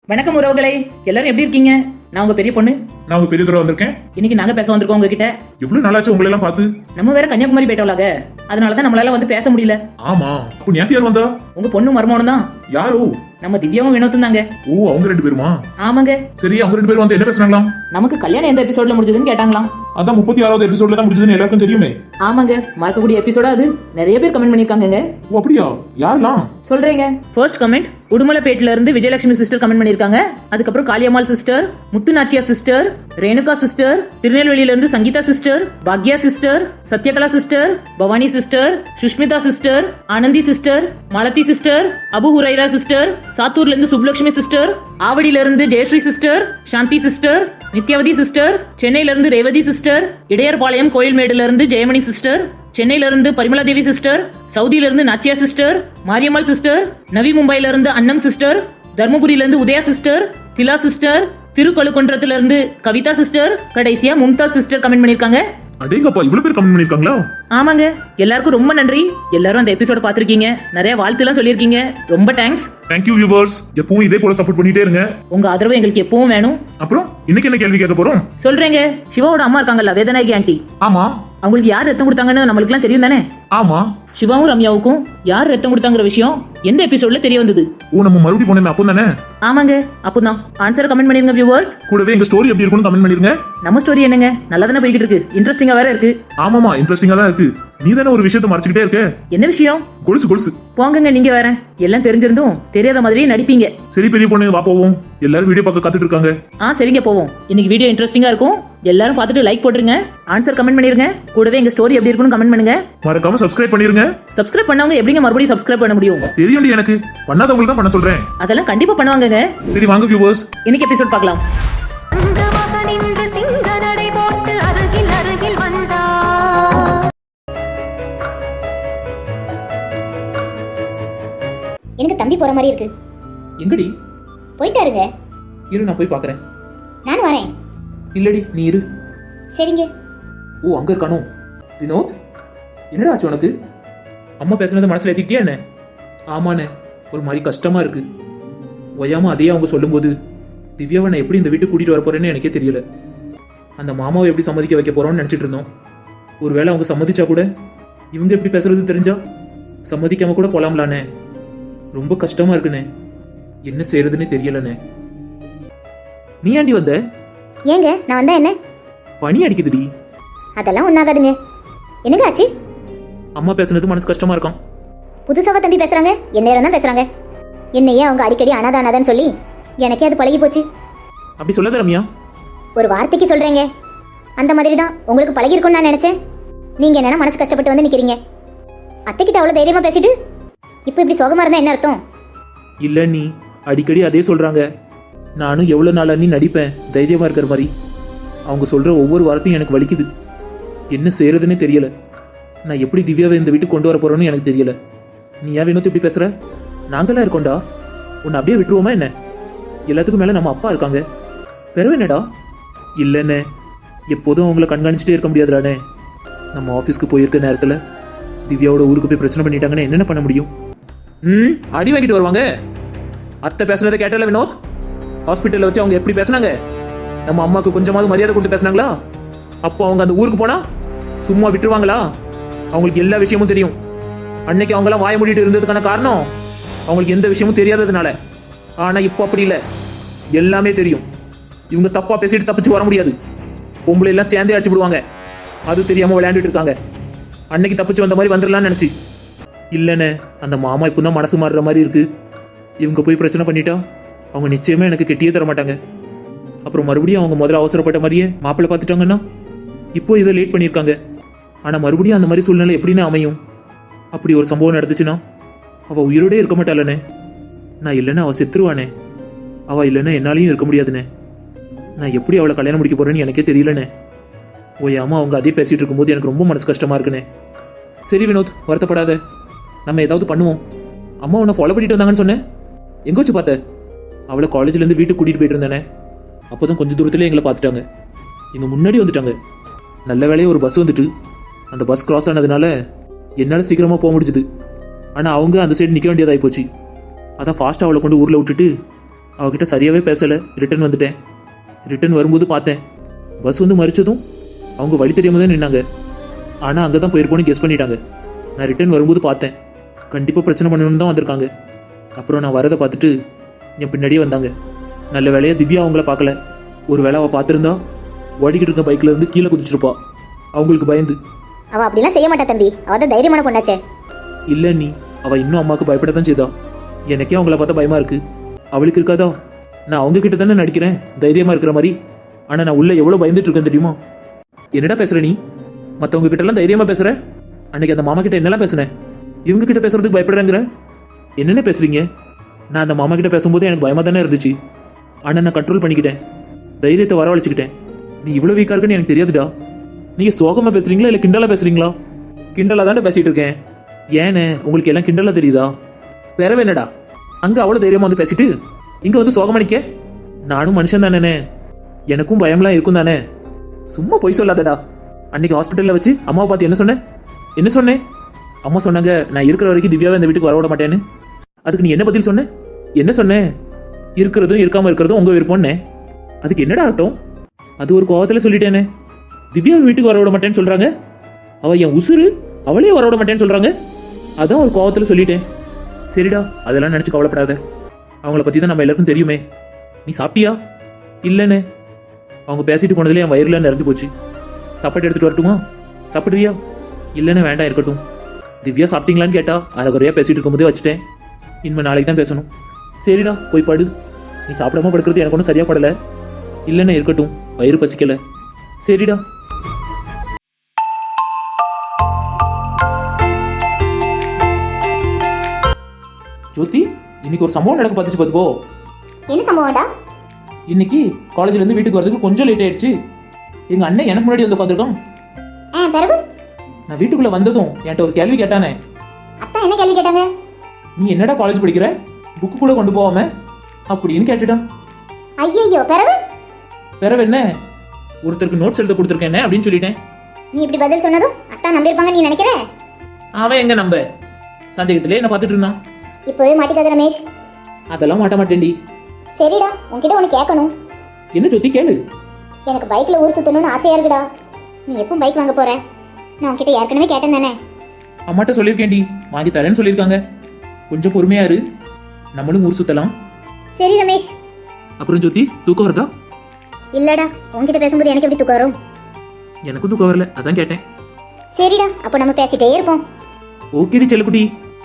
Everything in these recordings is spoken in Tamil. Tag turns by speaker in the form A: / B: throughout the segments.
A: வணக்கம் உறவுகளே, எல்லாரும் எப்படி இருக்கீங்க? நான் உங்க பெரிய பொண்ணு.
B: நான் உங்க பெரிய தடவை வந்திருக்கேன்.
A: இன்னைக்கு நாங்க பேச வந்திருக்கோம் உங்ககிட்ட.
B: எவ்வளவு நாளாச்சு உங்களை எல்லாம் பார்த்து.
A: நம்ம வேற கன்னியாகுமரி போயிட்டோம்லாக, அதனாலதான் நம்மளால வந்து பேச முடியல.
B: ஆமா, அப்ப நீ யார் வந்தா?
A: உங்க பொண்ணு மருமகனும் தான்.
B: யாரோ?
A: நம்ம திவ்யாவும் வினோத்தும் தாங்க.
B: ஓ, அவங்க ரெண்டு பேருமா?
A: ஆமாங்க.
B: சரி, அவங்க ரெண்டு பேரும் வந்து என்ன பேசுறாங்களாம்?
A: நமக்கு கல்யாணம் எந்த எபிசோட்ல முடிஞ்சதுன்னு கேட்டாங்களாம்.
B: அதான் 36வது எபிசோட்ல தான் முடிஞ்சதுன்னு எல்லாருக்கும் தெரியுமே.
A: ஆமாங்க, மறக்கக்கூடிய எபிசோடா அது. நிறைய பேர் கமெண்ட் பண்ணிருக்காங்க.
B: ஓ அப்படியா? யாரெல்லாம்
A: சொல்றீங்க? ஃபர்ஸ்ட் கமெண்ட் உடுமலைப்பேட்ல இருந்து விஜயலட்சுமி சிஸ்டர் கமெண்ட் பண்ணிருக்காங்க. அதுக்கப்புறம் Kaliammal sister, Muthunachiya sister, Renuka sister, திருநெல்வேலியில இருந்து சங்கீதா சிஸ்டர், பாக்யா sister, Sathyakala sister, Bhavani sister, Sushmita sister, Anandhi sister, Malathi sister, Abu Huraira sister, சாத்தூர்ல இருந்து சுப்லட்சுமி சிஸ்டர், ஆவடியில இருந்து Jayashree sister, Shanthi sister, Nithyavathi sister, சென்னையில இருந்து ரேவதி சிஸ்டர், இடையர்பாளையம் கோயில்மேடுல இருந்து ஜெயமணி சிஸ்டர், சென்னையில இருந்து பரிமலா தேவி சிஸ்டர், சவுதியில இருந்து நாச்சியா சிஸ்டர், மாரியம்மாள் சிஸ்டர், நவி மும்பைல இருந்து அன்னம் சிஸ்டர், தர்மபுரியில இருந்து உதயா சிஸ்டர், திலா சிஸ்டர், திருக்கழுக்குன்றத்துல இருந்து கவிதா சிஸ்டர், கடைசியா மும்தாஸ் சிஸ்டர் கமெண்ட் பண்ணிருக்காங்க.
B: அடேங்கப்பா, இவ்வளவு பேர் கமெண்ட் பண்ணிருக்காங்களா?
A: ஆமாங்க, எல்லாருக்கும் ரொம்ப நன்றி. எல்லாரும் அந்த எபிசோட பாத்திருக்கீங்க, நிறைய வாழ்த்து எல்லாம் சொல்லிருக்கீங்க. ரொம்ப தேங்க்ஸ்.
B: Thank you viewers. எப்பவும் இதே போல சப்போர்ட் பண்ணிட்டே இருங்க.
A: உங்க ஆதரவு எங்களுக்கு எப்பவும் வேணும்.
B: அப்புறம் இன்னைக்கு என்ன கேள்வி கேட்க போறோம்?
A: சொல்றேங்க. சிவாவோட அம்மா இருக்காங்கல்ல, வேதநாயகி ஆண்டி.
B: ஆமா.
A: அவங்களுக்கு யார் ரத்தம் கொடுத்தாங்கன்னு நம்மளுக்கு எல்லாம் தெரியும் தானே?
B: ஆமா.
A: சிவாவும் ரம்யாவுக்கும் யார் ரத்தம் கொடுத்தாங்கிற விஷயம் எந்த எபிசோட்ல தெரிய வந்தது?
B: ஓ, நம்ம மறுபடியும் போனோமே அப்போ தானே?
A: ஆமாங்க, அப்போதான். ஆன்சர் கமெண்ட் பண்ணிருங்க வியூவர்ஸ்.
B: கூடவே எங்க ஸ்டோரி எப்படி இருக்குன்னு கமெண்ட் பண்ணிருங்க.
A: நம்ம ஸ்டோரி என்னங்க, நல்லா தானே போய்கிட்டு இருக்கு. இன்ட்ரெஸ்டிங்கா வேற இருக்கு.
B: ஆமாமா, இன்ட்ரெஸ்டிங்கா தான் இருக்கு. நீ தானே ஒரு விஷயத்தை மறைச்சிக்கிட்டே இருக்க.
A: என்ன விஷயம்?
B: கொலுசு கொலுசு.
A: போங்கங்க, நீங்க வேற எல்லாம் தெரிஞ்சிருந்தும் தெரியாத மாதிரியே நடிப்பீங்க.
B: சரி பெரிய பொண்ணு, வா போவோம். எல்லாரும் வீடியோ பார்க்க காத்துட்டு இருக்காங்க.
A: சரிங்க, போவோம். இன்னைக்கு வீடியோ இன்ட்ரெஸ்டிங்கா இருக்கும். எல்லாரும் பார்த்துட்டு லைக் போட்டுருங்க, ஆன்சர் கமெண்ட் பண்ணிருங்க. கூடவே எங்க ஸ்டோரி எப்படி இருக்குன்னு கமெண்ட் பண்ணுங்க.
B: மறக்காம சப்ஸ்கிரைப் பண்ணிருங்க.
A: சப்ஸ்கிரைப் பண்ணவங்க எப்படிங்க மறுபடியும் சப்ஸ்கிரைப் பண்ண முடியும்?
B: தெரியும், எனக்கு பண்ணாதவங்களுக்கு தான் பண்ண சொல்றேன்.
A: அதெல்லாம் கண்டிப்பா பண்ணுவாங்கங்க.
B: சரி வாங்க வியூவர்ஸ்,
A: இன்னைக்கு எபிசோட் பார்க்கலாம்.
C: எனக்கு தம்பி போற மாதிரி இருக்கு.
A: எங்கடி
C: போயிட்டாருங்க.
A: இரு, நான் போய் பார்க்கறேன்.
C: நானும் வரேன்.
A: இல்லடி, நீ இரு.
C: சரிங்க.
A: ஓ, அங்க இருக்கானோ? வினோத், என்னடா ஆச்சு உனக்கு? அம்மா பேசுனது மனசுல ஏத்திட்டியா என்ன? ஆமாண்ணே, ஒரு மாதிரி கஷ்டமா இருக்கு. ஒய்யாம அதையே அவங்க சொல்லும்போது திவ்யாவை நான் எப்படி இந்த வீட்டுக்கு கூட்டிட்டு வர போறேன்னு எனக்கே தெரியல. அந்த மாமாவை எப்படி சம்மதிக்க வைக்க போறோம்னு நினைச்சிட்டு இருந்தோம். ஒருவேளை அவங்க சம்மதிச்சா கூட இவங்க எப்படி பேசுறது தெரிஞ்சா சம்மதிக்காம கூட போலாம்லானே. ரொம்ப கஷ்டமா இருக்குண்ணே, என்ன செய்யறதுன்னு தெரியலண்ணே. நீ ஆண்டி வந்த?
C: ஏங்க நான் வந்தா என்ன?
A: பனி அடிக்குதுடி.
C: அதெல்லாம் ஒண்ணாகாதுங்க. என்னங்க ஆச்சு?
A: அம்மா பேசுனது மனசு கஷ்டமா இருக்கான்.
C: புதுசாவா தம்பி பேசுறாங்க? என்ன நேரம் தான் பேசுறாங்க. என்னையே அவங்க அடிக்கடி அனாதானாதான்னு சொல்லி எனக்கே அது பழகி போச்சு.
A: அப்படி சொல்லாத ரம்யா.
C: ஒரு வார்த்தைக்கு சொல்றேங்க. அந்த மாதிரி தான் உங்களுக்கு பழகி இருக்கும்னு நான் நினைச்சேன். நீங்க என்னன்னா மனசு கஷ்டப்பட்டு வந்து நிக்கிறீங்க. அத்தைக்கிட்ட அவ்வளவு தைரியமா பேசிட்டு இப்போ இப்படி சோகமா இருந்தா என்ன அர்த்தம்?
A: இல்ல, நீ அடிக்கடி அதே சொல்றாங்க. நானும் எவ்வளவு நாளா நீ நடிப்பேன் தைரியமா இருக்கிற மாதிரி. அவங்க சொல்ற ஒவ்வொரு வார்த்தையும் எனக்கு வலிக்குது. என்ன செய்யறதுன்னே தெரியல. நான் எப்படி திவ்யாவை இந்த வீட்டுக்கு கொண்டு வர போறேன்னு எனக்கு தெரியல. நீ ஏன் வினோத் இப்படி பேசுற? நாங்களாம் இருக்கோண்டா, உன்னை அப்படியே விட்டுருவோமா என்ன? எல்லாத்துக்கும் மேல நம்ம அப்பா இருக்காங்க. பெறவே என்னடா? இல்லைண்ணே, எப்போதும் அவங்கள கண்காணிச்சுட்டே இருக்க முடியாதுடானே. நம்ம ஆஃபீஸ்க்கு போயிருக்க நேரத்தில் திவ்யாவோட ஊருக்கு போய் பிரச்சனை பண்ணிட்டாங்கன்னு என்னென்ன பண்ண முடியும்? அடி வாங்கிட்டு வருவாங்க. அத்தை பேசுனதை கேட்டல வினோத்? ஹாஸ்பிட்டலில் வச்சு அவங்க எப்படி பேசுனாங்க? நம்ம அம்மாவுக்கு கொஞ்சமாவது மரியாதை கொடுத்து பேசுனாங்களா? அப்போ அவங்க அந்த ஊருக்கு போனா சும்மா விட்டுருவாங்களா? அவங்களுக்கு எல்லா விஷயமும் தெரியும். அன்னைக்கு அவங்களாம் வாய மூடிட்டு இருந்ததுக்கான காரணம் அவங்களுக்கு எந்த விஷயமும் தெரியாததுனால. ஆனா இப்போ அப்படி இல்லை, எல்லாமே தெரியும். இவங்க தப்பா பேசிட்டு தப்பிச்சு வர முடியாது. பொம்பளை எல்லாம் சேர்ந்தே அடிச்சு விடுவாங்க. அது தெரியாம விளையாண்டுட்டு இருக்காங்க. அன்னைக்கு தப்பிச்சு வந்த மாதிரி வந்துடலாம்னு நினைச்சு. இல்லைண்ணே, அந்த மாமா இப்போ தான் மனசு மாறுற மாதிரி இருக்கு. இவங்க போய் பிரச்சனை பண்ணிட்டா அவங்க நிச்சயமா எனக்கு கெட்டியே தர மாட்டாங்க. அப்புறம் மறுபடியும் அவங்க முதல்ல அவசரப்பட்ட மாதிரியே மாப்பிள்ளை பார்த்துட்டாங்கன்னா இப்போ இதை லேட் பண்ணியிருக்காங்க. ஆனால் மறுபடியும் அந்த மாதிரி சூழ்நிலை எப்படின்னு அமையும்? அப்படி ஒரு சம்பவம் நடந்துச்சுன்னா அவள் உயிரோடே இருக்க மாட்டாளண்ணே. நான் இல்லைன்னா அவள் செத்துருவானே. அவள் இல்லைன்னா என்னாலையும் இருக்க முடியாதுண்ணே. நான் எப்படி அவளை கல்யாணம் முடிக்க போறேன்னு எனக்கே தெரியலண்ணே. ஓயாம அவங்க அதே பேசிட்டு இருக்கும்போது எனக்கு ரொம்ப மனசு கஷ்டமா இருக்குண்ணே. சரி வினோத், வருத்தப்படாத. நம்ம ஏதாவது பண்ணுவோம். அம்மா உன்னை ஃபாலோ பண்ணிட்டு வந்தாங்கன்னு சொன்னேன். எங்க வச்சு பார்த்த? அவளை காலேஜ்லேருந்து வீட்டுக்கு கூட்டிகிட்டு போயிட்டு இருந்தேனே. அப்போ தான் கொஞ்சம் தூரத்துலேயே எங்களை பார்த்துட்டாங்க. எங்கள் முன்னாடி வந்துட்டாங்க. நல்ல வேலையே ஒரு பஸ் வந்துட்டு அந்த பஸ் கிராஸ் ஆனதுனால என்னால் சீக்கிரமாக போக முடிஞ்சுது. ஆனால் அவங்க அந்த சைடு நிற்க வேண்டியதாகி போச்சு. அதான் ஃபாஸ்ட்டாக அவளை கொண்டு ஊரில் விட்டுட்டு அவகிட்ட சரியாகவே பேசலை, ரிட்டர்ன் வந்துட்டேன். ரிட்டர்ன் வரும்போது பார்த்தேன், பஸ் வந்து மறிச்சதும் அவங்க வழி தெரியாம தான் நின்னாங்க. ஆனால் அங்கே தான் போயிருப்போன்னு கெஸ் பண்ணிட்டாங்க. நான் ரிட்டர்ன் வரும்போது பார்த்தேன், கண்டிப்பாக பிரச்சனை பண்ணணும்னு தான் வந்திருக்காங்க. அப்புறம் நான் வரதை பார்த்துட்டு என் பின்னாடியே வந்தாங்க. நல்ல வேலையாக திவ்யா அவங்கள பார்க்கல. ஒரு வேளை அவள் பார்த்துருந்தா ஓடிக்கிட்டு இருக்க பைக்கில் இருந்து கீழே குதிச்சிருப்பா, அவங்களுக்கு பயந்து.
C: அவ அப்படிலாம் செய்ய மாட்டா தம்பி, அவ தான் தைரியமான பொண்ணாச்சே.
A: இல்லை நீ, அவள் இன்னும் அம்மாவுக்கு பயப்பட தான் செய்தா. எனக்கே அவங்கள பார்த்தா பயமாக இருக்கு. அவளுக்கு இருக்காதா? நான் அவங்க கிட்ட தானே நடிக்கிறேன் தைரியமாக இருக்கிற மாதிரி. ஆனால் நான் உள்ளே எவ்வளோ பயந்துட்டு இருக்கேன் தெரியுமா? என்னடா பேசுகிற நீ? மற்றவங்க கிட்டலாம் தைரியமாக பேசுகிற. அன்னைக்கு அந்த மாமா கிட்ட என்னெல்லாம் பேசுனேன், இவங்க கிட்ட பேசுறதுக்கு பயப்படுறேங்கிற. என்னென்ன பேசுறீங்க? நான் அந்த மாமா கிட்ட பேசும்போது எனக்கு பயமாக தானே இருந்துச்சு. ஆனால் நான் கண்ட்ரோல் பண்ணிக்கிட்டேன், தைரியத்தை வரவழைச்சிக்கிட்டேன். நீ இவ்வளோ வீக்காக இருக்குன்னு எனக்கு தெரியாதுடா. நீங்கள் சோகமாக பேசுறீங்களா இல்லை கிண்டலாக பேசுறீங்களா? கிண்டலாக தானே பேசிகிட்டு இருக்கேன். ஏன்னு உங்களுக்கு எல்லாம் கிண்டலாக தெரியுதா? வேறவே என்னடா, அங்கே அவ்வளோ தைரியமாக வந்து பேசிட்டு இங்கே வந்து சோகமாக நிற்க. நானும் மனுஷன் தானேண்ணே, எனக்கும் பயம்லாம் இருக்கும் தானே. சும்மா பொய் சொல்லாதடா. அன்னைக்கு ஹாஸ்பிட்டலில் வச்சு அம்மாவை பார்த்து என்ன சொன்னேன்? அம்மா சொன்னாங்க நான் இருக்கிற வரைக்கும் திவ்யாவை இந்த வீட்டுக்கு வரவிட மாட்டேன்னு. அதுக்கு நீ என்ன பதில் சொன்ன? என்ன சொன்னேன்? இருக்கிறதும் இருக்காமல் இருக்கிறதும் உங்கள் விருப்பம்னே. அதுக்கு என்னடா அர்த்தம்? அது ஒரு கோவத்தில் சொல்லிட்டேனே. திவ்யாவை வீட்டுக்கு வரவிட மாட்டேன்னு சொல்கிறாங்க, அவள் என் உசுறு, அவளே வரவிட மாட்டேன்னு சொல்கிறாங்க. அதான் ஒரு கோவத்தில் சொல்லிட்டேன். சரிடா, அதெல்லாம் நினச்சி கவலைப்படாத. அவங்கள பற்றி தான் நம்ம எல்லாருக்கும் தெரியுமே. நீ சாப்பிட்டியா? இல்லைண்ணே, அவங்க பேசிட்டு போனதுலேயே என் வயிறுல நிறந்து போச்சு. சாப்பாடு எடுத்துகிட்டு வரட்டுமா? சாப்பிட்றியா? இல்லைண்ணே, வேண்டாம், இருக்கட்டும். திவ்யா சாப்பிட்டீங்களான்னு கேட்டா அரைக்குறையாக பேசிட்டு இருக்கும்போதே வச்சுட்டேன். இனிமேல் நாளைக்கு தான் பேசணும். சரிடா, போய் படு. நீ சாப்பிடாம படுக்கிறது எனக்கு ஒன்றும் சரியாக படலை. இல்லைண்ணே, இருக்கட்டும், வயிறு பசிக்கலை. சரிடா. ஜோதி, இன்னைக்கு ஒரு சம்பவம் நடக்க பார்த்துச்சு பார்த்துக்கோ.
C: என்ன சம்பவம்டா?
A: இன்னைக்கு காலேஜ்ல இருந்து வீட்டுக்கு வரதுக்கு கொஞ்சம் லேட் ஆயிடுச்சு. எங்க அண்ணன் எனக்கு முன்னாடி வந்து உட்காந்துருக்கான்.
C: பிறகு
A: நான் வீட்டுக்குள்ள வந்ததும் என்கிட்ட ஒரு கேள்வி கேட்டானே.
C: அத்தா என்ன கேள்வி கேட்டாங்க?
A: நீ என்னடா காலேஜ் படிக்கிற, புக்கு கூட கொண்டு போவாம அப்படின்னு கேட்டுட்டான்.
C: ஐயோ, பிறகு
A: பிறகு என்ன, ஒருத்தருக்கு நோட்ஸ் எழுத கொடுத்துருக்கேன் அப்படின்னு சொல்லிட்டேன்.
C: நீ இப்படி பதில் சொன்னதும் அத்தா நம்பியிருப்பாங்க நீ நினைக்கிற?
A: அவன் எங்க நம்ப, சந்தேகத்திலே என்ன பார்த்துட்டு இருந்தான்.
C: இப்போவே மாட்டிக்காத ரமேஷ்.
A: அதெல்லாம் மாட்ட மாட்டேன்டி.
C: சரிடா, உன்கிட்ட ஒன்று கேட்கணும்.
A: என்ன ஜோதி, கேளு.
C: எனக்கு பைக்கில் ஊர் சுற்றணும்னு ஆசையா இருக்குடா. நீ எப்போ பைக் வாங்க போற? நான் உன்கிட்ட ஏற்கனவே கேட்டேன் தானே.
A: அம்மாட்ட சொல்லியிருக்கேன்டி, வாங்கி தரேன்னு சொல்லியிருக்காங்க. கொஞ்சம் பொறுமையா இரு, நம்மளும் ஊர் சுத்தலாம்.
C: சரி ரமேஷ்.
A: அப்புறம் ஜோதி, தூக்கம் வருதா?
C: இல்லடா, உன்கிட்ட பேசும்போது எனக்கு எப்படி தூக்கம் வரும்?
A: எனக்கும் தூக்கம் வரல, அதான் கேட்டேன்.
C: சரிடா, அப்போ நம்ம பேசிட்டே இருப்போம்.
A: ஓகேடி செல்லக்குட்டி.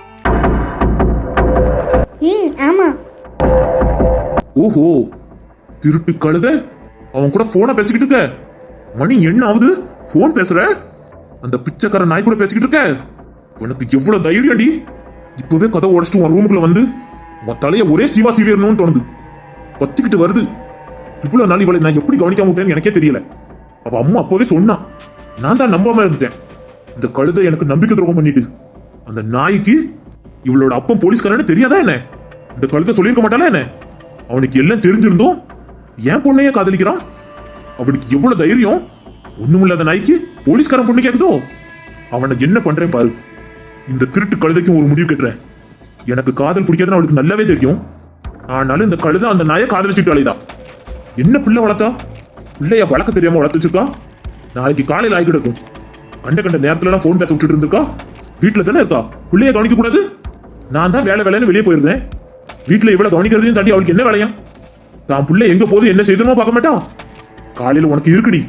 C: ஆமா.
B: ஓஹோ, திருட்டு கழுத, அவன் கூட போனை பேசிக்கிட்டு இருக்க. மணி என்ன ஆகுது, போன் பேசுற? அந்த பிச்சைக்கார நாய் கூட பேசிக்கிட்டு இருக்க. உனக்கு எவ்வளவு தைரியம்டி? இப்பவே கதை உடச்சிட்டு உன் ரூமுக்குள்ள வந்து உன் தலைய ஒரே சீவா சீவியர்னு தோணுது. பத்திக்கிட்டு வருது. இவ்வளவு நாள் இவளை நான் எப்படி கவனிக்காம விட்டேன்னு எனக்கே தெரியல. அவ அம்மா அப்பவே சொன்னா, நான் தான் நம்பாம இருந்துட்டேன். இந்த கழுதை எனக்கு நம்பிக்கை துரோகம் பண்ணிட்டு, அந்த நாய்க்கு இவளோட அப்பன் போலீஸ்காரன்னு தெரியாதா என்ன? இந்த கழுதை சொல்லியிருக்க மாட்டாளா என்ன? அவனுக்கு எல்லாம் தெரிஞ்சிருந்தோம் ஏன் பொண்ணையே காதலிக்கிறான். அவனுக்கு எவ்வளவு தைரியம்? ஒண்ணுமில்லாத நாய்க்கு போலீஸ்காரன் பொண்ணு கேக்குதோ? அவனை என்ன பண்றேன் பாரு. இந்த திருட்டு கழுதைக்கும் ஒரு முடிவு கட்டுறேன். எனக்கு காதல் பிடிக்காதுன்னு அவளுக்கு நல்லாவே தெரியும். ஆனாலும் இந்த கழுதை அந்த நாயை காதலிச்சுட்டு அலைதான். என்ன பிள்ளை வளர்த்தா? பிள்ளைய வளர்க்க தெரியாம வளர்த்து வச்சிருக்கா. நாளைக்கு காலையில் ஆகி கிடக்கும். கண்ட நேரத்துல போன் பேச விட்டுட்டு இருந்திருக்கா. வீட்டுல தானே இருக்கா, பிள்ளைய கவனிக்க கூடாது. நான் தான் வேலை வேலைன்னு வெளியே போயிருந்தேன். வீட்டுல இவ்வளவு கவனிக்கிறதையும் தாண்டி அவளுக்கு என்ன வேலையா? தான் பிள்ளை எங்க போகுது என்ன செய்யணுமோ பார்க்க மாட்டா. காலையில உனக்கு இருக்குடி.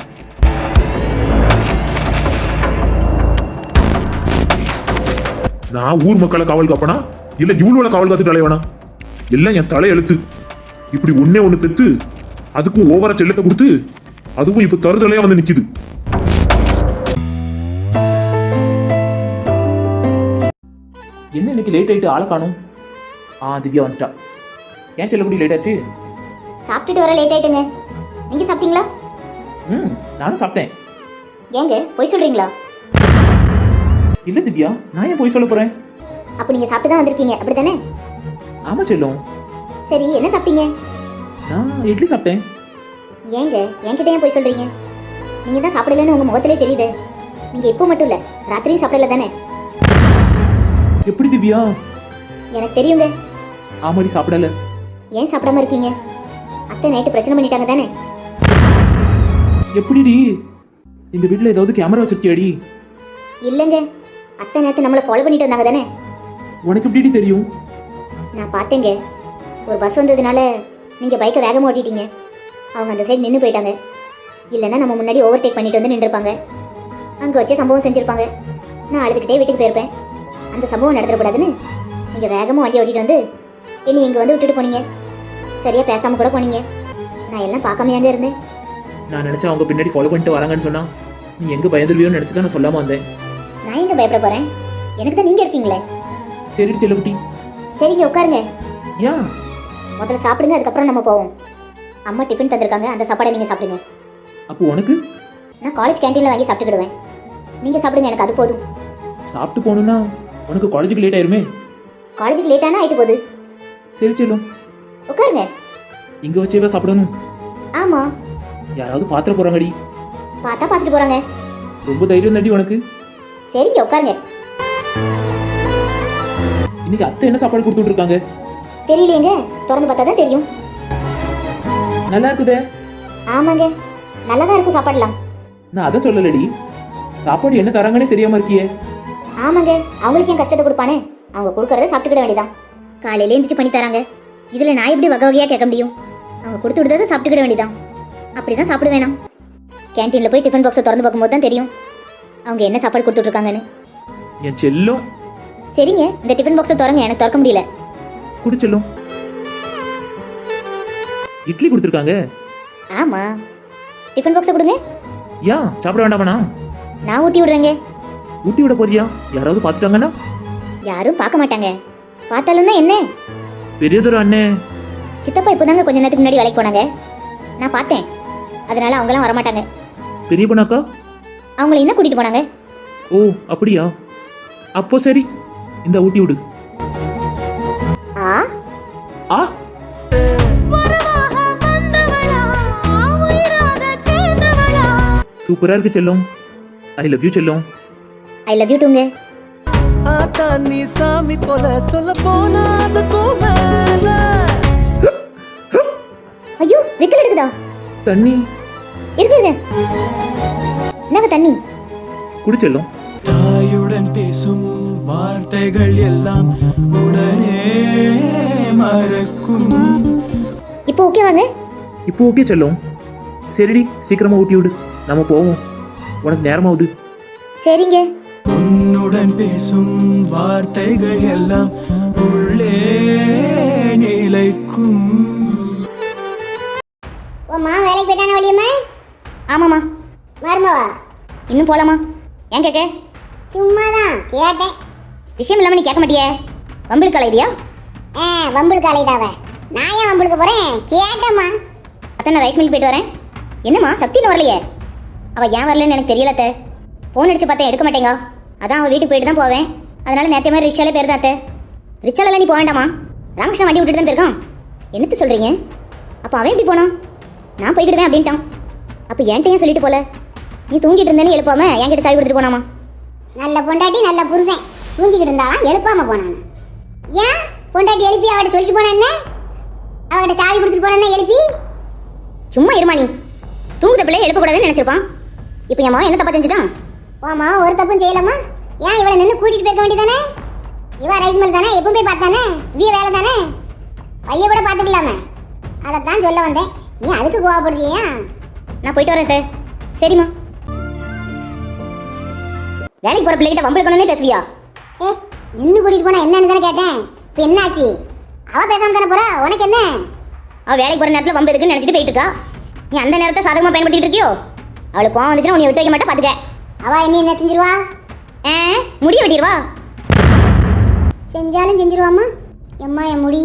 B: நான் ஊர் மக்களை காவல் காப்பனா இல்ல இவ்வளவு காவல் காத்து தலைவனா? எல்லாம் என் தலை எழுத்து. இப்படி ஒன்னே ஒண்ணு பெத்து அதுக்கும் ஓவரா செல்லத்தை கொடுத்து அதுவும் இப்ப தருதலையா வந்து நிக்குது.
A: என்ன இன்னைக்கு லேட் ஆயிட்டு ஆளை காணும். திவ்யா வந்துட்டா. ஏன் செல்லக்குடி லேட் ஆச்சு?
C: சாப்பிட்டுட்டு வர லேட் ஆயிட்டுங்க. நீங்க சாப்பிட்டீங்களா?
A: நானும் சாப்பிட்டேன்.
C: ஏங்க போய் சொல்றீங்களா?
A: இல்ல திவ்யா, நான் ஏன் போய் சொல்ல போறேன்?
C: அப்ப நீங்க சாப்பிட்டு தான் வந்திருக்கீங்க, அப்படித்தானே?
A: ஆமா செல்லும்.
C: சரி, என்ன சாப்பிட்டீங்க?
A: நான் இட்லி சாப்பிட்டேன்.
C: ஏங்க என்கிட்ட ஏன் போய் சொல்றீங்க? நீங்க தான் சாப்பிடலன்னு உங்க முகத்திலே தெரியுது. நீங்க இப்போ மட்டும் இல்ல, ராத்திரியும் சாப்பிடல தானே?
A: எப்படி திவ்யா?
C: எனக்கு தெரியுங்க.
A: ஆமாடி, சாப்பிடல.
C: ஏன் சாப்பிடாம இருக்கீங்க? அத்தை நைட்டு பிரச்சனை பண்ணிட்டாங்க தானே?
A: எப்படிடி? எங்க வீட்ல ஏதாவது கேமரா வச்சிருக்கியாடி?
C: இல்லைங்க, அத்தை நேற்று நம்மளை ஃபாலோ பண்ணிட்டு வந்தாங்க தானே?
A: உனக்கு எப்படிடி தெரியும்?
C: நான் பார்த்தேங்க. ஒரு பஸ் வந்ததுனால நீங்கள் பைக்கை வேகமாக ஓட்டிட்டீங்க. அவங்க அந்த சைடு நின்று போயிட்டாங்க. இல்லைன்னா நம்ம முன்னாடி ஓவர்டேக் பண்ணிட்டு வந்து நின்றுருப்பாங்க. அங்கே வச்சே சம்பவம் செஞ்சுருப்பாங்க. நான் அழுதுகிட்டே வீட்டுக்கு போயிருப்பேன். அந்த சம்பவம் நடத்தக்கூடாதுன்னு நீங்கள் வேகமாக வண்டி ஓட்டிட்டு வந்து என்னை இங்கே வந்து விட்டுட்டு போனீங்க. சரியாக பேசாமல் கூட போனீங்க. நான் எல்லாம் பார்க்காமையாங்க இருந்தேன்.
A: நான் நினைச்சா அவங்க பின்னாடி ஃபாலோ பண்ணிட்டு வராங்கன்னு சொன்னா நீ எங்க பயந்துருவியோன்னு நினைச்சு தான் நான் சொல்லாம வந்தேன்.
C: நான் எங்கே பயப்பட போகிறேன்? எனக்கு தான் நீங்கள் இருக்கீங்களே.
A: சரி செல்லக்குட்டி.
C: சரிங்க, உட்காருங்க.
A: ஏன்?
C: முதல்ல சாப்பிடுங்க, அதுக்கப்புறம் நம்ம போவோம். அம்மா டிஃபன் தந்திருக்காங்க, அந்த சாப்பாடை நீங்கள் சாப்பிடுங்க.
A: அப்போ உனக்கு?
C: நான் காலேஜ் கேண்டீனில் வாங்கி சாப்பிட்டுக்கிடுவேன். நீங்கள் சாப்பிடுங்க, எனக்கு அது போதும்.
A: சாப்பிட்டு போகணும்னா உனக்கு காலேஜுக்கு லேட் ஆயிருமே.
C: காலேஜுக்கு லேட்டானா ஆயிட்டு போகுது.
A: சரி செல்லும்,
C: உட்காருங்க.
A: இங்க வச்சேவா சாப்பிடணும்?
C: ஆமாம்.
A: யாராவது பாத்திர போறாங்கடி.
C: பார்த்தா பார்த்துட்டு போகிறாங்க.
A: ரொம்ப தைரியம் தாண்டி உனக்கு.
C: சரிங்க, உட்காருங்க.
A: இன்னைக்கு அத்தை என்ன சாப்பாடு கொடுத்துட்டு இருக்காங்க?
C: தெரியலையேங்க, திறந்து பார்த்தா தான் தெரியும்.
A: நல்லா இருக்குதே.
C: ஆமாங்க, நல்லா தான் இருக்கும் சாப்பாடலாம்.
A: நான் அதை சொல்லலடி, சாப்பாடு என்ன தராங்கன்னே தெரியாம இருக்கியே.
C: ஆமாங்க, அவங்களுக்கு ஏன் கஷ்டத்தை கொடுப்பானே? அவங்க கொடுக்கறத சாப்பிட்டுக்கிட வேண்டியதான். காலையில எந்திரிச்சு பண்ணி தராங்க. இதில் நான் எப்படி வகை வகையாக கேட்க முடியும்? அவங்க கொடுத்து விடுறத சாப்பிட்டுக்கிட வேண்டியதான். அப்படி தான் சாப்பிட வேணாம். கேன்டீனில் போய் டிஃபன் பாக்ஸை திறந்து பார்க்கும்போது தான் தெரியும் அவங்க என்ன சாப்பாடு கொடுத்துட்ருக்காங்கன்னு.
A: என் செல்லும்.
C: சரிங்க, இந்த டிஃபன் பாக்ஸை திறங்க, எனக்கு திறக்க முடியல.
A: குடி செல்லும். இட்லி கொடுத்துருக்காங்க.
C: ஆமாம், டிஃபன் பாக்ஸை கொடுங்க.
A: ஏன் சாப்பிட வேண்டாமண்ணா?
C: நான் ஊட்டி விடுறேங்க.
A: ஊட்டி விட போறியா? யாராவது பார்த்துட்டாங்கன்னா?
C: யாரும் பார்க்க மாட்டாங்க. பார்த்தாலும் தான் என்ன?
A: பெரியதொரு அண்ணே.
C: சித்தப்பா இப்போதாங்க கொஞ்ச நேரத்துக்கு முன்னாடி வேலைக்கு போனாங்க. நான் பார்த்தேன். அதனால அவங்களாம் வரமாட்டாங்க.
A: பெரிய பொண்ணாக்கா
C: அவங்கள என்ன கூட்டிட்டு போனாங்க?
A: ஓ அப்படியா? அப்போ சரி, இந்த ஊட்டி விடு.
C: ஆ
A: ஆ சூப்பரா இருக்கு செல்லும். ஐ லவ் யூ செல்லும்.
C: ஐ லவ் யூ டூங்க.
D: ஆத்தா நீ சாமி போல சொல்ல போனா அதுக்கும் மேல.
C: ஐயோ, விக்கல் எடுக்குதா?
A: தண்ணி
C: இருக்குங்க. என்னங்க தண்ணி?
A: குடி செல்லும்.
D: தாயுடன் பேசும் வார்த்தைகள் எல்லாம் உடனே மறக்கும்.
C: இப்போ ஓகே வாங்க.
A: இப்போ ஓகே செல்லும். சரிடி, சீக்கிரமா ஊட்டி விடு, நம்ம போவோம். உனக்கு நேரமாகுது.
C: சரிங்க.
D: உன்னுடன் பேசும் வார்த்தைகள் எல்லாம் உள்ளே நிலைக்கும்.
C: ஓம்மா வேலைக்கு போயிட்டானா வழியம்மா? ஆமாம்மா. மருமவா இன்னும் போலாமா? ஏன் கேட்க? சும்மா தான் கேட்டேன். விஷயம் இல்லாமல் நீ கேட்க மாட்டியே. வம்பிழுக்கு அலையிறியா? வம்பிழுக்கு அலையிடாவ. நான் ஏன் வம்பிழுக்க போகிறேன்? கேட்டேம்மா. அத்தை நான் ரைஸ் மில்க் போயிட்டு வரேன். என்னம்மா சக்தின்னு வரலையே? அவள் ஏன் வரலன்னு எனக்கு தெரியல அத்தை. ஃபோன் அடிச்சு பார்த்தேன், எடுக்க மாட்டேங்க. அதான் அவள் வீட்டுக்கு போயிட்டு தான் போவேன். அதனால நேற்று மாதிரி ரிக்ஷாலே போயிருந்தா அத்தை. ரிக்ஷாலெல்லாம் நீ போக வேண்டாமா? ராமகிருஷ்ணன் வண்டி விட்டுட்டு தான் போயிருக்கான். என்னத்து சொல்கிறீங்க? அப்போ அவன் எப்படி போனான்? நான் போய்கிடுவேன் அப்படின்ட்டான். அப்போ என்கிட்ட ஏன் சொல்லிட்டு போல? நீ தூங்கிட்டு இருந்தேன்னு எழுப்பாம என்கிட்ட சாவி கொடுத்துட்டு போனாமா? நல்ல பொண்டாட்டி நல்ல புருஷன் தூங்கிக்கிட்டு இருந்தாலும் எழுப்பாம போனான். ஏன் பொண்டாட்டி எழுப்பி அவட்ட சொல்லிட்டு போனா என்ன? அவட்ட சாவி கொடுத்துட்டு போனா எழுப்பி? சும்மா இருமா நீ. தூங்குத பிள்ளை எழுப்பக்கூடாதுன்னு நினைச்சிருப்பான். இப்போ என் மாவன் என்ன தப்பா செஞ்சுட்டான்? ஆமா, ஒரு தப்பும் செய்யலாமா? ஏன் இவளை நின்று கூட்டிட்டு போயிருக்க வேண்டியதானே? இவ ரைஸ் மில் தானே, எப்பவும் போய் பார்த்தானே, வீ வேலை தானே, பைய கூட பார்த்துக்கலாமே. அதைத்தான் சொல்ல வந்தேன். நீ அதுக்கு கோவப்படுறியா? நான் போயிட்டு வரேன். சரிம்மா. வேலைக்கு போற பிள்ளைகிட்ட வம்பிழுக்கணும்னே பேசுவியா? நின்று கூட்டிட்டு போனா என்னன்னு தானே கேட்டேன். இப்போ என்ன ஆச்சு? அவ பேசாம தானே போறா, உனக்கு என்ன? அவ வேலைக்கு போற நேரத்தில் வம்பு இருக்குன்னு நினைச்சிட்டு போயிட்டு இருக்கா. நீ அந்த நேரத்தை சாதகமா பயன்படுத்திட்டு இருக்கியோ? அவளுக்கு கோவம் வந்துச்சுன்னா உன்னை விட்டு வைக்க மாட்டா, பாத்துக்க. அவ என்ன செஞ்சிருவா? முடிய வெட்டிடுவா. செஞ்சாலும் செஞ்சிருவாமா. எம்மா என் முடி.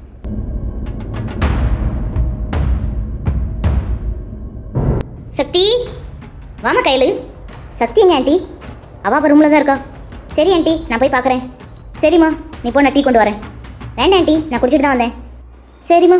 C: சக்தி வாமா கையில். சக்தி எங்க ஆண்டி? அவள் ரூமில் தான் இருக்கா. சரி ஆண்டி, நான் போய் பார்க்குறேன். சரிம்மா, நீ போ, நான் டீ கொண்டு வரேன். வேண்டாம் ஆண்டி, நான் குடிச்சிட்டு தான் வந்தேன். சரிம்மா.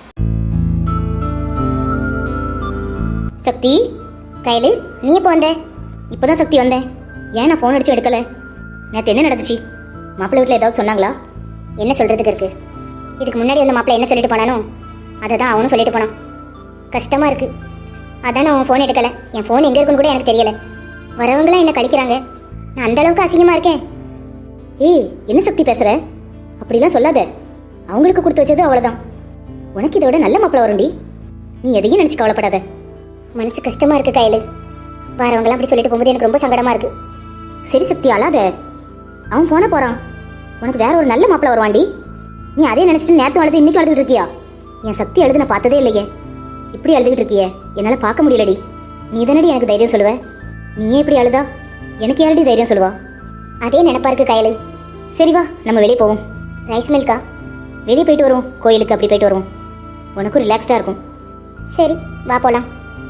C: சக்தி கையில், நீ எப்போ வந்த? இப்போ தான் சக்தி வந்தேன். ஏன் நான் ஃபோன் அடிச்சு எடுக்கலை? நேற்று என்ன நடந்துச்சு? மாப்பிள்ளை வீட்டில் ஏதாவது சொன்னாங்களா? என்ன சொல்கிறதுக்கு இருக்கு? இதுக்கு முன்னாடி வந்து மாப்பிள்ளை என்ன சொல்லிட்டு போனானோ அதை தான் அவனும் சொல்லிட்டு போனான். கஷ்டமா இருக்கு. அதான் நான் அவன் ஃபோன் எடுக்கல. என் ஃபோன் எங்க இருக்குன்னு கூட எனக்கு தெரியல. வரவங்களாம் என்ன கழிக்கிறாங்க. நான் அந்த அளவுக்கு அசிங்கமா இருக்கேன். ஏய், என்ன சக்தி பேசுற? அப்படிலாம் சொல்லாத. அவங்களுக்கு கொடுத்து வச்சது அவ்வளவுதான். உனக்கு இதோட நல்ல மாப்பிள்ளை வரும்டி. நீ எதையும் நினைச்சு கவலைப்படாத. மனசு கஷ்டமா இருக்கு கையில. வரவங்களாம் அப்படி சொல்லிட்டு போகும்போது எனக்கு ரொம்ப சங்கடமா இருக்கு. சரி சக்தி, அழாத. அவன் போன போறான். உனக்கு வேற ஒரு நல்ல மாப்பிள்ளை வருவாண்டி. நீ அதே நினைச்சிட்டு நேத்து அழுது இன்னைக்கு அழுதுகிட்டு இருக்கியா? என் சக்தி அழுது நான் பார்த்ததே இல்லையே. இப்படி அழுதுகிட்டு இருக்கியே, என்னால பார்க்க முடியலடி. நீ தானடி எனக்கு தைரியம் சொல்லுவ. நீயே இப்படி அழுதா எனக்கு யாரடி தைரியம் சொல்லுவா? அதே நினைப்பா இருக்கு கையில. சரி வா, நம்ம வெளியே போவோம். ரைஸ் மில்கா? வெளியே போயிட்டு வருவோம். கோயிலுக்கு அப்படி போயிட்டு வருவோம். உனக்கும் ரிலாக்ஸ்டா இருக்கும். சரி வா போலாம்.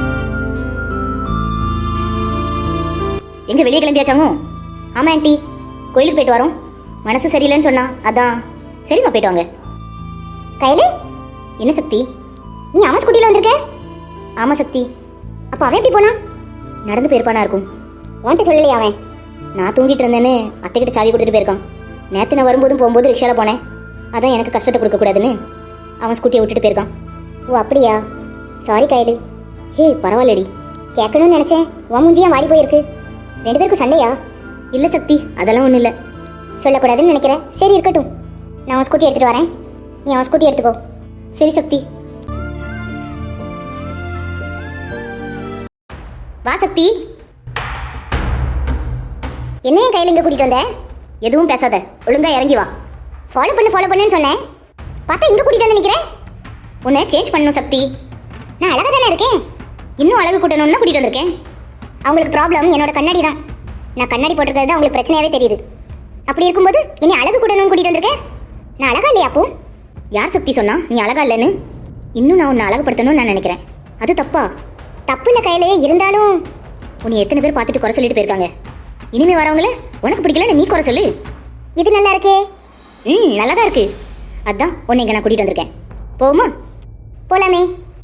C: எங்க வெளியே கிளம்பியாச்சாங்க? ஆமா ஆண்டி, கோயிலுக்கு போயிட்டு வரோம். மனசு சரியில்லைன்னு சொன்னா அதான். சரிம்மா, போயிட்டு வாங்க. கையில என்ன சக்தி, நீ அவன் ஸ்கூட்டில வந்திருக்க? ஆமா சக்தி. அப்ப அவன் எப்படி போனா? நடந்து போயிருப்பானா இருக்கும். உன்கிட்ட சொல்லலையா அவன்? நான் தூங்கிட்டு இருந்தேன்னு அத்தைக்கிட்ட சாவி கொடுத்துட்டு போயிருக்கான். நேற்று நான் வரும்போதும் போகும்போது ரிக்ஷாவில் போனேன். அதான் எனக்கு கஷ்டத்தை கொடுக்கக்கூடாதுன்னு அவன் ஸ்கூட்டியை விட்டுட்டு போயிருக்கான். ஓ அப்படியா? சாரி கையில. ஹே பரவாயில்லடி. கேட்கணும்னு நினச்சேன். உன் மூஞ்சியா வாடி போயிருக்கு. 2 பேருக்கும் சண்டையா? இல்லை சக்தி, அதெல்லாம் ஒன்றும் இல்லை. சொல்லக்கூடாதுன்னு நினைக்கிறேன். சரி இருக்கட்டும், நான் அவன் ஸ்கூட்டி எடுத்துகிட்டு வரேன். நீ அவன் ஸ்கூட்டி எடுத்துக்கோ. சரி சக்தி. வா சக்தி. என்ன என் கையில் இங்கே கூட்டிகிட்டு வந்த? எதுவும் பேசாத, ஒழுங்கா இறங்கி வா. ஃபாலோ பண்ணுன்னு சொன்னேன். பார்த்தா இங்கே கூட்டிகிட்டு வந்து நிற்கிறேன். உன்னை சேஞ்ச் பண்ணணும் சக்தி. நான் அழகாக தானே இருக்கேன். இன்னும் அழகு கூட்டணும்னு கூட்டிகிட்டு வந்திருக்கேன். அவங்களுக்கு ப்ராப்ளம் என்னோட கண்ணாடி தான். நான் கண்ணாடி போட்டிருக்கிறது தான் அவங்களுக்கு பிரச்சனையாகவே தெரியுது. அப்படி இருக்கும்போது என்னை அழகு கூட்டணும்னு கூட்டிகிட்டு வந்திருக்கேன். நான் அழகா இல்லையா அப்போ? யார் சக்தி சொன்னா நீ அழகா இல்லைன்னு? இன்னும் நான் உன்னை அழகுப்படுத்தணும்னு நான் நினைக்கிறேன். அது தப்பா? தப்பு இல்லை கையிலேயே. இருந்தாலும் உன்னை எத்தனை பேர் பார்த்துட்டு குறை சொல்லிட்டு போயிருக்காங்க. இனிமே வரவங்கள உனக்கு பிடிக்கலன்னு நீ குறை சொல்லு. இது நல்லா இருக்கே. நல்லா தான் இருக்கு. அதான் உன்னை இங்கே நான் கூட்டிகிட்டு வந்திருக்கேன். போகுமா? போலாமே.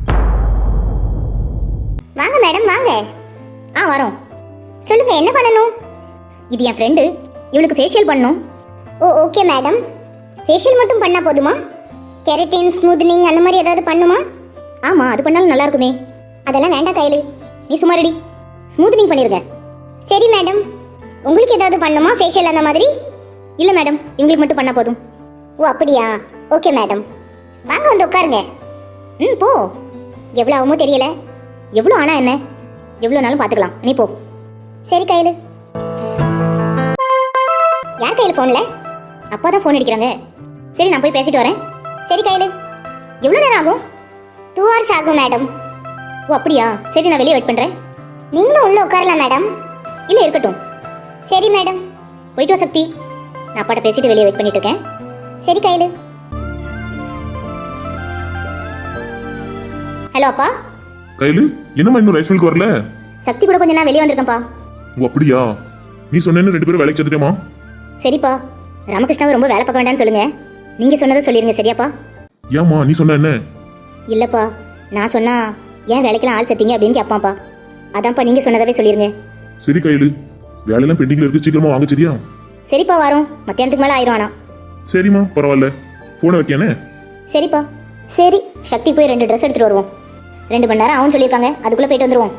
C: வாங்க மேடம் வாங்க. வரோம். சொல்லுங்க, என்ன பண்ணணும்? இது என் ஃப்ரெண்டு. இவளுக்கு ஃபேஷியல் பண்ணணும். ஓ ஓகே மேடம். ஃபேஷியல் மட்டும் பண்ணால் போதுமா? கெரட்டின், ஸ்மூத்னிங் அந்த மாதிரி ஏதாவது பண்ணுமா? ஆமாம், அது பண்ணாலும் நல்லா இருக்குமே. அதெல்லாம் வேண்டாம் கையில். நீ சும்மா ரெடி. ஸ்மூத்னிங் பண்ணிருங்க. சரி மேடம். உங்களுக்கு ஏதாவது பண்ணுமா ஃபேஷியல் அந்த மாதிரி? இல்லை மேடம், இவங்களுக்கு மட்டும் பண்ணால் போதும். ஓ அப்படியா? Okay madam. வாங்க வந்து உட்காருங்க. போ. எவ்வளோ ஆகுமோ தெரியல. எவ்வளோ ஆனால் என்ன, எவ்வளோ நாளும் பார்த்துக்கலாம். நீ போ. சரி கையில். யார் கையில் ஃபோனில்? அப்பா தான் ஃபோன் அடிக்கிறாங்க. சரி நான் போய் பேசிட்டு வரேன். சரி கையில். எவ்வளோ நேரம் ஆகும்? 2 hours ஆகும் மேடம். ஓ அப்படியா? சரி நான் வெளியே வெயிட் பண்ணுறேன். நீங்களும் உள்ளே உட்காரலாம் மேடம். இல்லை இருக்கட்டும். சரி மேடம். போயிட்டு வா சக்தி. நான் அப்பாட்ட பேசிட்டு வெளியே வெயிட் பண்ணிட்டு இருக்கேன். சரி கையில். ஹலோ அப்பா.
B: கையில என்னம்மா இன்னும் ரைஸ் மில்க் வரல?
C: சக்தி கூட கொஞ்சம் நான் வெளியே வந்திருக்கேன்ப்பா.
B: ஓ அப்படியா? நீ சொன்னேன்னு 2 பேரும் வேலைக்கு சேர்த்துட்டேமா?
C: சரிப்பா. ராமகிருஷ்ணாவை ரொம்ப வேலை பார்க்க வேண்டாம்னு சொல்லுங்க. நீங்க சொன்னதை சொல்லிருங்க. சரியாப்பா?
B: ஏம்மா நீ சொன்ன என்ன?
C: இல்லப்பா, நான் சொன்னா ஏன் வேலைக்கெல்லாம் ஆள் சேர்த்தீங்க அப்படின்னு கேட்பான்ப்பா. அதான்ப்பா நீங்க சொன்னதாவே சொல்லிருங்க.
B: சரி கையில, வேலையெல்லாம் பெண்டிங்ல இருக்கு, சீக்கிரமா வாங்க சரியா?
C: சரிப்பா வரோம். மத்தியானத்துக்கு மேலே ஆயிரும். ஆனா
B: சரிம்மா பரவாயில்ல. போன வைக்கானே. சரிப்பா.
C: சரி சக்தி போய் 2 ட்ரெஸ் எடுத்துட்டு வருவோம். 2 மணி நேரம் ஆகும்னு சொல்லியிருக்காங்க. அதுக்குள்ள போயிட்டு வந்துருவோம்.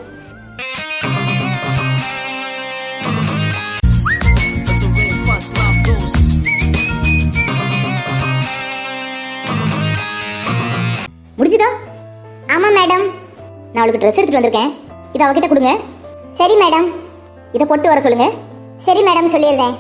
C: முடிஞ்சுதா? ஆமா மேடம். நான் அவளுக்கு ட்ரெஸ் எடுத்துட்டு வந்திருக்கேன். இதை அவகிட்ட கொடுங்க. சரி மேடம். இதை போட்டு வர சொல்லுங்க. சரி மேடம், சொல்லிடுறேன்.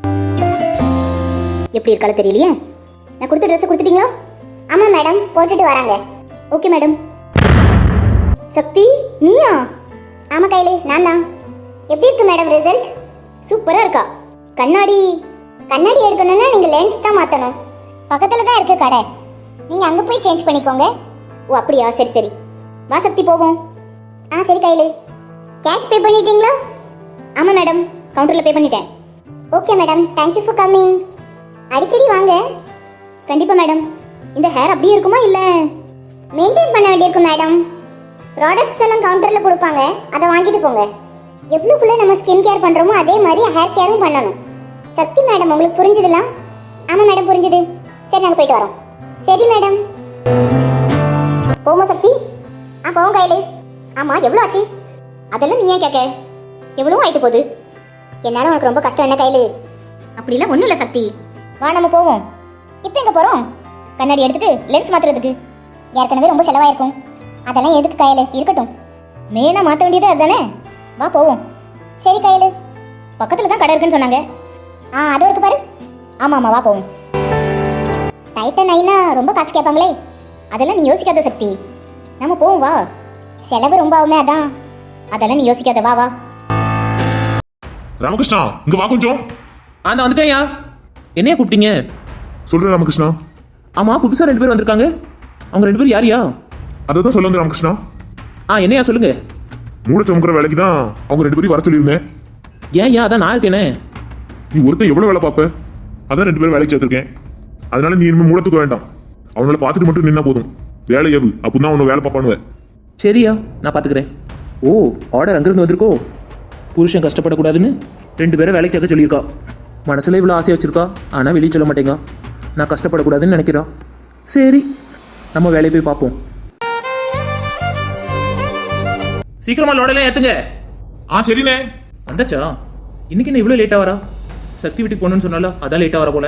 C: எப்படி இருக்காலும் தெரியலையே. நான் கொடுத்த ட்ரெஸ் கொடுத்துட்டீங்களா? ஆமா மேடம், போட்டுட்டு வராங்க. Okay madam. சக்தி நீயா? ஆமா கையில நான் தான். எப்படி இருக்கு மேடம் ரிசல்ட்? சூப்பரா இருக்கா. கண்ணாடி எடுக்கணும்னா நீங்க லென்ஸ் தான் மாத்தணும். பக்கத்துல தான் இருக்கு கடை. நீங்க அங்க போய் சேஞ்ச் பண்ணிக்கோங்க. ஓ அப்படியா? சரி சரி. வா சக்தி போவோம். சரி கையில. கேஷ் பே பண்ணிட்டீங்களா? ஆமா மேடம், கவுண்டர்ல பே பண்ணிட்டேன். Okay madam, thank you for coming. அடிக்கடி வாங்க. கண்டிப்பா மேடம். இந்த ஹேர் அப்படியே இருக்குமா இல்ல மெயின்டைன் பண்ண வேண்டியிருக்கும் மேடம்? ப்ராடக்ட்ஸ் எல்லாம் கவுண்டர்ல கொடுப்பாங்க, அதை வாங்கிட்டு போங்க. எவ்வளவுக்குள்ள நம்ம ஸ்கின் கேர் பண்றோமோ அதே மாதிரி ஹேர் கேரும் பண்ணணும். சக்தி மேடம், உங்களுக்கு புரிஞ்சுதுலாம்? ஆமா மேடம் புரிஞ்சுது. சரி நாங்க போயிட்டு வரோம். சரி மேடம். போமா சக்தி. போவோம் கையில. ஆமா எவ்வளோ ஆச்சு? அதெல்லாம் நீ ஏன் கேட்க? எவ்வளோ ஆயிட்டு போகுது. என்னால உனக்கு ரொம்ப கஷ்டம் என்ன கையில? அப்படிலாம் ஒன்றும் இல்லை சக்தி. வா நம்ம போவோம். இப்போ எங்கே போகிறோம்? கண்ணாடி எடுத்துட்டு லென்ஸ் மாத்துறதுக்கு. ஏற்கனவே ரொம்ப செலவாயிருக்கும். அதெல்லாம் எதுக்கு கையில? இருக்கட்டும். மெயினாக மாற்ற வேண்டியது அதுதானே. வா போவோம். சரி கையில. பக்கத்தில் தான் கடை இருக்குன்னு சொன்னாங்க. அது இருக்கு பாரு. ஆமாம் வா போவோம். டைட்டன் ஐனா ரொம்ப காசு கேட்பாங்களே. அதெல்லாம் நீ யோசிக்காத சக்தி. நம்ம போவோம் வா. செலவு ரொம்ப ஆகுமே அதான். அதெல்லாம் நீ யோசிக்காத வா வா.
B: ராமகிருஷ்ணா இங்க வா கொஞ்சம்.
A: நான் வந்துட்டேன்யா. என்னையா கூப்பிட்டீங்க?
B: சொல்றேன் ராமகிருஷ்ணா.
A: ஆமா புதுசா 2 பேர் வந்திருக்காங்க. அவங்க 2 பேர் யாரியா?
B: அதை தான் சொல்ல வந்தேன் ராமகிருஷ்ணா.
A: என்னையா சொல்லுங்க.
B: மூளை சமுக்கிற வேலைக்கு தான் அவங்க 2 பேரும் வர சொல்லியிருந்தேன்.
A: ஏன் அதான் நான் இருக்கேனே.
B: நீ ஒருத்தன் எவ்வளவு வேலை பார்ப்ப? அதான் 2 பேரும் வேலைக்கு சேர்த்திருக்கேன். அதனால நீ இனிமே மூலத்துக்கு வேண்டாம். அவனால பார்த்துட்டு மட்டும் நின்னா போதும். வேலை எவு அப்படின்னா அவனை வேலை பார்ப்பானுவேன்.
A: சரியா நான் பார்த்துக்கிறேன். ஓ ஆர்டர் அங்கிருந்து வந்திருக்கோ. புருஷன் கஷ்டப்படக்கூடாதுன்னு 2 பேரை வேலைக்கு சேர்க்க சொல்லியிருக்கா. மனசுல இவ்வளோ ஆசையாக வச்சிருக்கா. ஆனால் வெளியே சொல்ல மாட்டேங்க. நான் கஷ்டப்படக்கூடாதுன்னு நினைக்கிறா. சரி நம்ம வேலையை போய் பார்ப்போம். சீக்கிரமா லோடெல்லாம் ஏத்துங்க.
B: சரிண்ணே.
A: வந்தாச்சா? இன்னைக்கு என்ன இவ்வளோ லேட்டாக வரா? சக்தி வீட்டுக்கு போகணும்னு சொன்னால அதான் லேட்டாக வர போல.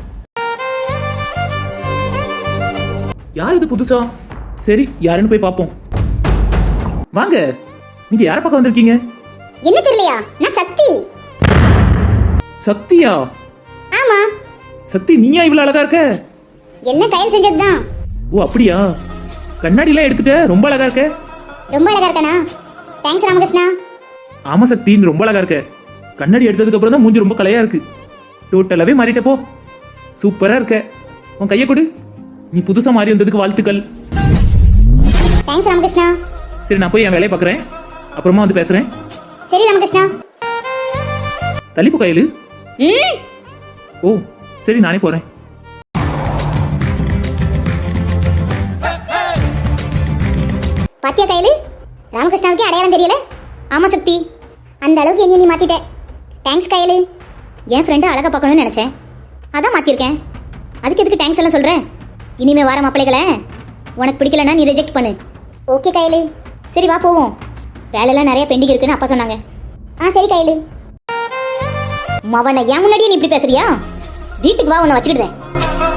A: யார் இது புதுசா? சரி யாருன்னு போய் பார்ப்போம். வாங்க. நீங்க யார பக்கம் வந்திருக்கீங்க?
C: என்ன தெரியலையா? நான் சக்தி.
A: சக்தியா?
C: ஆமா.
A: சக்தி நீயா இவ்வளவு அழகா இருக்க?
C: எல்லாம் கையில் செஞ்சதுதான்.
A: ஓ அப்படியா? கண்ணாடி எல்லாம் எடுத்துட்ட. ரொம்ப அழகா இருக்க.
C: ரொம்ப அழகா இருக்கனா? தேங்க்ஸ் ராமகிருஷ்ணா.
A: ஆமா சக்தி நீ ரொம்ப அழகா இருக்க. கண்ணாடி எடுத்ததுக்கு அப்புறம் தான் மூஞ்சி ரொம்ப கலையா இருக்கு. டோட்டலாவே மாறிட்ட போ. சூப்பரா இருக்க. உன் கையை கொடு. நீ புதுசா மாறி வந்ததுக்கு வாழ்த்துக்கள்.
C: தேங்க்ஸ் ராமகிருஷ்ணா.
A: சரி நான் போய் என் வேலையை பார்க்குறேன். அப்புறமா வந்து பேசுறேன்.
C: சரி ராமகிருஷ்ணா.
A: தள்ளிப்பு கையில். ஓ சரி நானே போறேன்.
C: பாத்தியா கையில்? ராமகிருஷ்ணாவுக்கு அடையாளம் தெரியல. ஆமா சக்தி. அந்த அளவுக்கு என்ன நீ மாத்திட்ட. தேங்க்ஸ் கையில். என் ஃப்ரெண்டை அழகா பார்க்கணும்னு நினைச்சேன். அதான் மாத்திருக்கேன். அதுக்கு எதுக்கு தேங்க்ஸ் எல்லாம் சொல்றேன்? இனிமே வர மாப்பிள்ளைகளை உனக்கு பிடிக்கலன்னா நீ ரிஜெக்ட் பண்ணு. ஓகே கையில். சரி வா போவோம். வேலையெல்லாம் நிறைய பெண்டிங் இருக்குன்னு அப்பா சொன்னாங்க. சரி கையில். மவனை ஏன் முன்னாடியே நீ இப்படி பேசுறியா? வீட்டுக்கு வா உன்னை வச்சுக்கிடுவேன்.